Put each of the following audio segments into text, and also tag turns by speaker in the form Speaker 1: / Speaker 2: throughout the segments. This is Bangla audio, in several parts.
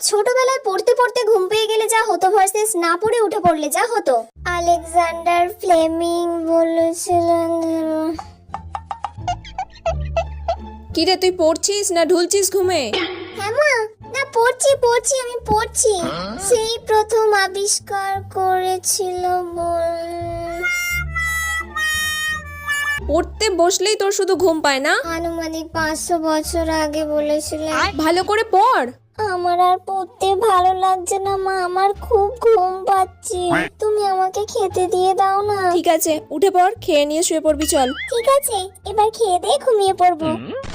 Speaker 1: ছোটবেলায় পড়তে পড়তে ঘুম পেয়ে গেলে যা হতো ভার্সেস না পড়ে উঠে পড়লে যা হতো। আলেকজান্ডার ফ্লেমিং বলেছিলেন।
Speaker 2: কিরে তুই পড়ছিস না ঢুলছিস ঘুমে?
Speaker 1: হ্যাঁ মা, না পড়ছি আমি পড়ছি। সেই প্রথম আবিষ্কার করেছিল
Speaker 2: পড়তে বসলেই তোর শুধু ঘুম পায় না?
Speaker 1: আনুমানিক 500 বছর আগে বলেছিলেন।
Speaker 2: ভালো করে পড়।
Speaker 1: আমার আর পড়তে ভালো লাগছে না মা, আমার খুব ঘুম পাচ্ছে। তুমি আমাকে খেতে দিয়ে দাও না।
Speaker 2: ঠিক আছে উঠে পড়, খেয়ে নিয়ে শুয়ে পড়বি চল।
Speaker 1: ঠিক আছে, এবার খেয়ে দিয়ে ঘুমিয়ে পড়বো।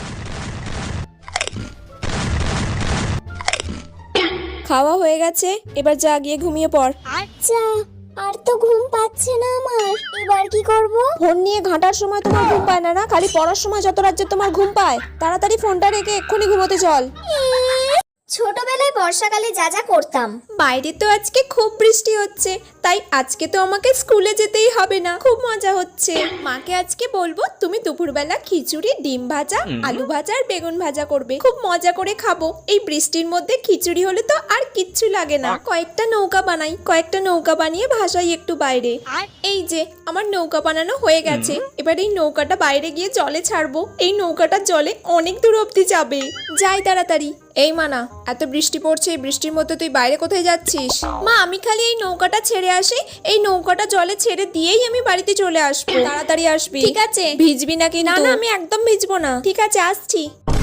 Speaker 2: খাওয়া হয়ে গেছে, এবার যা গিয়ে ঘুমিয়ে পড়।
Speaker 1: আচ্ছা, আর তো ঘুম পাচ্ছে না আমার, এবার কি করব?
Speaker 2: ফোন নিয়ে ঘাঁটার সময় তোমার ঘুম পায় না? খালি পড়ার সময় যত রাজ্যে তোমার ঘুম পায়। তাড়াতাড়ি ফোনটা রেখে এক্ষুনি ঘুমোতে চল।
Speaker 1: ছোটবেলায় বর্ষাকালে যা যা করতাম।
Speaker 2: বাইরে তো আজকে খুব বৃষ্টি হচ্ছে, তাই আজকে তো আমাকে স্কুলে যেতেই হবে না। খুব মজা হচ্ছে। মাকে আজকে বলবো তুমি দুপুরবেলা খিচুড়ি, ডিম ভাজা, আলু ভাজা আর বেগুন ভাজা করবে। খুব মজা করে খাবো। এই বৃষ্টির মধ্যে খিচুড়ি হলে তো আর কিচ্ছু লাগে না। কয়েকটা নৌকা বানিয়ে ভাসাই একটু বাইরে। এই যে আমার নৌকা বানানো হয়ে গেছে। এবার এই নৌকাটা বাইরে গিয়ে জলে ছাড়বো। এই নৌকাটা জলে অনেক দূর অব্দি যাবে। যাই তাড়াতাড়ি। এই মানা, এত বৃষ্টি পড়ছে, এই বৃষ্টির মধ্যে তুই বাইরে কোথায় যাচ্ছিস? মা আমি খালি এই নৌকাটা ছেড়ে আসি, এই নৌকাটা জলে ছেড়ে দিয়েই আমি বাড়িতে চলে আসবো। তাড়াতাড়ি আসবি। ঠিক আছে। ভিজবি না কিন্তু? না আমি একদম ভিজবো না। ঠিক আছে আসছি।